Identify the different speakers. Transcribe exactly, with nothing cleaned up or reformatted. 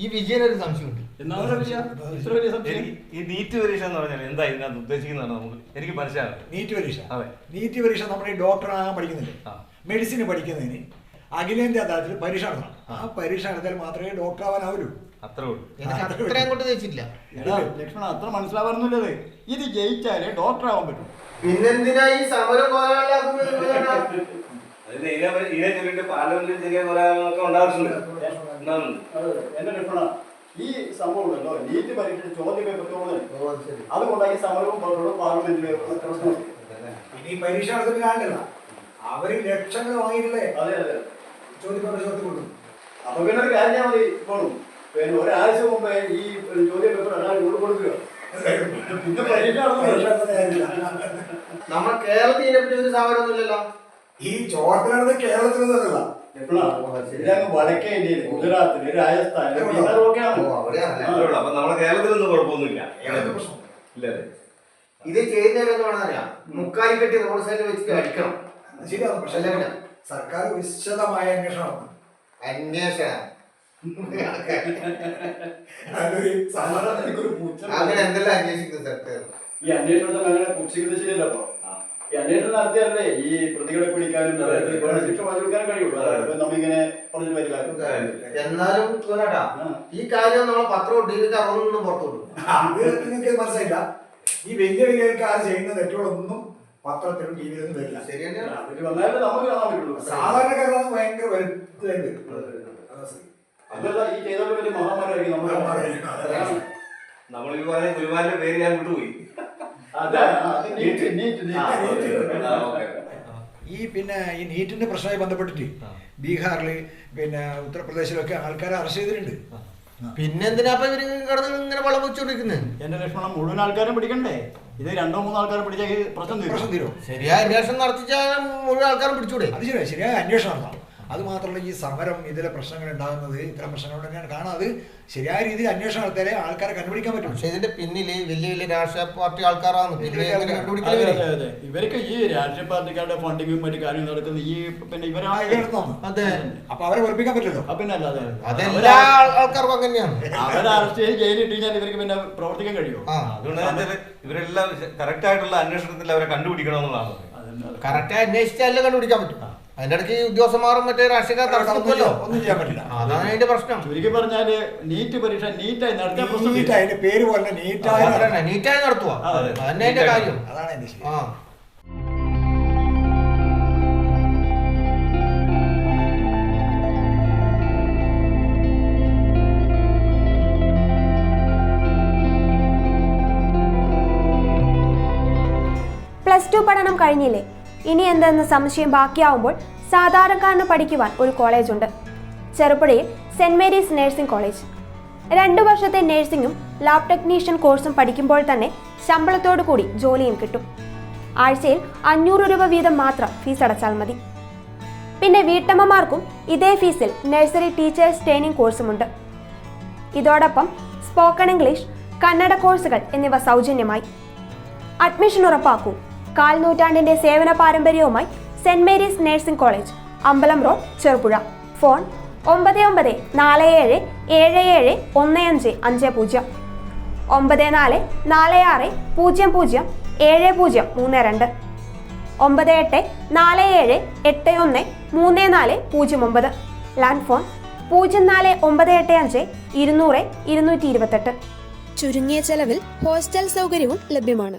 Speaker 1: ഈ വിജയനൊരു സംശയമുണ്ട്.
Speaker 2: ഈ നീറ്റ് പരീക്ഷ എന്ന് പറഞ്ഞാൽ എന്താ ഇതിനകത്ത് ഉദ്ദേശിക്കുന്നതാണ് നമുക്ക് എനിക്ക് മനസ്സിലാകും.
Speaker 3: നീറ്റ് പരീക്ഷ
Speaker 2: അതെ,
Speaker 3: നീറ്റ് പരീക്ഷ നമ്മൾ ഈ ഡോക്ടറാകാൻ പഠിക്കുന്നില്ലേ, മെഡിസിന് പഠിക്കുന്നതിന് അഖിലേന്ത്യാ തലത്തിൽ പരീക്ഷ നടത്തണം. ആ പരീക്ഷ നടത്തിയാൽ മാത്രമേ ഡോക്ടർ ആവാനാവൂ.
Speaker 2: അത്രേ ഉള്ളൂ.
Speaker 1: അത്രയും കൊണ്ട് വെച്ചിട്ടില്ല
Speaker 4: ലക്ഷ്മണ, അത്ര മനസ്സിലാവാറുന്നില്ലത്. ഇത് ജയിച്ചാലേ ഡോക്ടർ ആവാൻ പറ്റും.
Speaker 1: പിന്നെന്തിനാ ഈ സമരം
Speaker 2: പാർലമെന്റിൽ ചെറിയ കൊലകളൊക്കെ ഉണ്ടാകുന്നുണ്ട്.
Speaker 4: എന്റെ ലക്ഷ്മണ, ഈ സംഭവം ഉണ്ടല്ലോ, നീറ്റ് പരീക്ഷ ചോദ്യ പേപ്പർ അതുകൊണ്ടാണ് ഈ സമരവും പാർലമെന്റിലെ പ്രശ്നം.
Speaker 3: ഇനി പരീക്ഷ നടത്തുന്ന ആളല്ല, അവര് ലക്ഷങ്ങൾ വാങ്ങിയിട്ടില്ലേ
Speaker 4: അതെ അതെ
Speaker 3: ചോദ്യപേപ്പർ ചോദ്യം കൊടുക്കും.
Speaker 4: അപ്പൊ പിന്നെ ഒരു കാര്യം മതി, ഇപ്പോഴും പിന്നെ ഒരാഴ്ച മുമ്പേ ഈ ചോദ്യ പേപ്പർ ഒരാൾ കൊടുക്കുക. പിന്നെ പരീക്ഷ
Speaker 1: നമ്മൾ കേരളത്തിൽ ഇതിനെപ്പറ്റി ഒരു സമരമൊന്നുമില്ലല്ലോ.
Speaker 3: ഈ ചോദ്യത്തിലാണത് കേരളത്തിൽ നിന്നല്ല,
Speaker 4: വടക്കേ ഇന്ത്യയിൽ ഗുജറാത്തില് രാജസ്ഥാനില് ബീഹാറിലൊക്കെയാണ്.
Speaker 2: അപ്പൊ നമ്മുടെ കേരളത്തിലൊന്നും കുഴപ്പമൊന്നുമില്ല.
Speaker 1: ഇത് ചെയ്യുന്നതിലെന്ന് വേണമെന്നറിയാം, മുക്കാലി കെട്ടി റോഡ് സൈഡിൽ വെച്ചിട്ട് അടിക്കണം.
Speaker 3: ശരിയാണ്. പക്ഷെ സർക്കാർ വിശദമായ അന്വേഷണം
Speaker 1: അന്വേഷണം
Speaker 4: അങ്ങനെ
Speaker 1: അങ്ങനെ എന്തെല്ലാം അന്വേഷിക്കുന്നത് സർക്കാർ?
Speaker 4: ഈ അന്വേഷണത്തിൽ അങ്ങനെ പുച്ഛിക്കുന്നത് ശരിയല്ലപ്പോ. ഈ അന്വേഷണം നടത്തിയാലേ ഈ പ്രതികളെ പിടിക്കാനും ശിക്ഷ വാങ്ങിക്കാൻ കഴിയുള്ളൂ. നമ്മിങ്ങനെ പറഞ്ഞു വരില്ല.
Speaker 1: എന്നാലും കേട്ടാ, ഈ കാര്യം നമ്മളെ പത്രവും ടി വിക്ക് അതൊന്നും പുറത്തുള്ളൂ.
Speaker 3: അത് നിങ്ങൾക്ക് മനസ്സിലായില്ല. ഈ വലിയ വലിയ ആൾക്കാർ ചെയ്യുന്ന തെറ്റുകളൊന്നും പത്രത്തിലും ടി വിയിലൊന്നും വരില്ല.
Speaker 1: ശരി തന്നെയാണ്.
Speaker 4: വന്നാലേ നമുക്ക് കാണാൻ പറ്റുള്ളൂ.
Speaker 3: സാധാരണക്കാരാണ് ഭയങ്കര വലുതായിട്ട്.
Speaker 4: അതല്ല, ഈ ചെയ്തോണ്ട് വലിയ മഹാമാരായിരിക്കും നമ്മൾ.
Speaker 2: നമ്മളിപ്പോ പറഞ്ഞ ഗുരുവാന്റെ പേര് ഞാൻ വിട്ടുപോയി.
Speaker 3: ഈ പിന്നെ ഈ നീറ്റിന്റെ പ്രശ്നമായി ബന്ധപ്പെട്ടിട്ട് ബീഹാറില് പിന്നെ ഉത്തർപ്രദേശിലൊക്കെ ആൾക്കാരെ അറസ്റ്റ് ചെയ്തിട്ടുണ്ട്.
Speaker 1: പിന്നെന്തിനാ ഇവര് കിടന്ന് ഇങ്ങനെ വളം വെച്ചോണ്ടിരിക്കുന്നത്?
Speaker 4: എന്റെ ലക്ഷണം മുഴുവൻ ആൾക്കാരും പിടിക്കണ്ടേ? ഇത് രണ്ടോ മൂന്നോ ആൾക്കാരെ പിടിച്ചാൽ പ്രശ്നം
Speaker 3: പ്രശ്നം തീരും.
Speaker 1: ശരിയായ അന്വേഷണം നടത്തിച്ചാൽ മുഴുവൻ ആൾക്കാരും പിടിച്ചൂടെ?
Speaker 3: അത് ശരിയാ, ശരിയായ അന്വേഷണം നടത്താം. അത് മാത്രമല്ല, ഈ സമരം ഇതിലെ പ്രശ്നങ്ങൾ ഉണ്ടാകുന്നത് ഇത്തരം പ്രശ്നങ്ങൾ തന്നെയാണ് കാണാതെ ശരിയായ രീതിയിൽ അന്വേഷണം നടത്തിയാലേ ആൾക്കാരെ കണ്ടുപിടിക്കാൻ പറ്റും.
Speaker 1: പക്ഷെ ഇതിന്റെ പിന്നില് വലിയ വലിയ രാഷ്ട്രീയ പാർട്ടി ആൾക്കാരാണ് കണ്ടുപിടിക്കുന്നത്.
Speaker 4: ഇവർക്ക് ഈ രാഷ്ട്രീയ പാർട്ടിക്കാരുടെ ഫണ്ടിങ്ങും മറ്റു കാര്യം നടക്കുന്ന ഈ പിന്നെ ഇവരാണ്.
Speaker 1: അതെ,
Speaker 3: അപ്പൊ അവരെ വെറുപ്പിക്കാൻ പറ്റില്ലല്ലോ.
Speaker 4: പിന്നെ അല്ലാതെ
Speaker 1: അതെല്ലാ ആൾക്കാർക്കും അങ്ങനെയാണ്.
Speaker 4: അവരെ അറസ്റ്റ് ചെയ്ത് ജയിലിൽ ഇട്ടാൽ ഇവർക്ക് പിന്നെ പ്രവർത്തിക്കാൻ കഴിയുമോ?
Speaker 2: അതുകൊണ്ട് ഇവരെല്ലാം കറക്റ്റ് ആയിട്ടുള്ള അന്വേഷണത്തിൽ അവരെ കണ്ടുപിടിക്കണമെന്നുള്ളതാണ്.
Speaker 1: കറക്റ്റായി അന്വേഷിച്ചാലേ കണ്ടുപിടിക്കാൻ പറ്റും. അതിന്റെ ഇടയ്ക്ക് ഉദ്യോഗസ്ഥന്മാരും മറ്റേ രാഷ്ട്രീയക്കാർ തടസ്സമല്ലോ,
Speaker 3: ഒന്നും ചെയ്യാൻ പറ്റില്ല.
Speaker 1: അതാണ് അതിന്റെ പ്രശ്നം.
Speaker 4: ചുരുക്കി പറഞ്ഞാല് നീറ്റ് പരീക്ഷ നീറ്റായി നടത്തിയ പ്രശ്നം.
Speaker 3: അതിന്റെ പേര് പോലെ നീറ്റായി
Speaker 1: നീറ്റായി നടത്തുക, അതന്നെ അതിന്റെ കാര്യം.
Speaker 3: അതാണ് എന്റെ ശരി.
Speaker 1: ആ
Speaker 5: പ്ലസ് ടു പഠനം കഴിഞ്ഞില്ലേ? ഇനി എന്തെന്ന് സംശയം ബാക്കിയാവുമ്പോൾ സാധാരണക്കാരന് പഠിക്കുവാൻ ഒരു കോളേജുണ്ട്. ചെറുപുഴയിൽ സെന്റ് മേരീസ് നഴ്സിംഗ് കോളേജ്. രണ്ടു വർഷത്തെ നഴ്സിംഗും ലാബ് ടെക്നീഷ്യൻ കോഴ്സും പഠിക്കുമ്പോൾ തന്നെ ശമ്പളത്തോടു കൂടി ജോലിയും കിട്ടും. ആഴ്ചയിൽ അഞ്ഞൂറ് രൂപ വീതം മാത്രം ഫീസ് അടച്ചാൽ മതി. പിന്നെ വീട്ടമ്മമാർക്കും ഇതേ ഫീസിൽ നഴ്സറി ടീച്ചേഴ്സ് ട്രെയിനിങ് കോഴ്സുമുണ്ട്. ഇതോടൊപ്പം സ്പോക്കൺ ഇംഗ്ലീഷ്, കന്നഡ കോഴ്സുകൾ എന്നിവ സൗജന്യമായി. അഡ്മിഷൻ ഉറപ്പാക്കൂ. കാൽ നൂറ്റാണ്ടിന്റെ സേവന പാരമ്പര്യവുമായി സെന്റ് മേരീസ് നഴ്സിംഗ് കോളേജ്, അമ്പലം റോഡ്, ചെറുപുഴ. ഫോൺ ഒമ്പത് ഒമ്പത് നാല് ഏഴ് ഏഴ് ഏഴ് ഒന്ന് അഞ്ച് അഞ്ച് പൂജ്യം, ഒമ്പത് നാല് നാല് ആറ് പൂജ്യം പൂജ്യം ഏഴ് പൂജ്യം മൂന്ന് രണ്ട്, ഒമ്പത് എട്ട് നാല് ഏഴ് എട്ട് ഒന്ന് മൂന്ന് നാല് പൂജ്യം ഒമ്പത്. ലാൻഡ് ഫോൺ പൂജ്യം നാല് ഒമ്പത് എട്ട് അഞ്ച് ഇരുന്നൂറ് ഇരുന്നൂറ്റി ഇരുപത്തെട്ട്. ചുരുങ്ങിയ ചെലവിൽ ഹോസ്റ്റൽ സൗകര്യവും ലഭ്യമാണ്.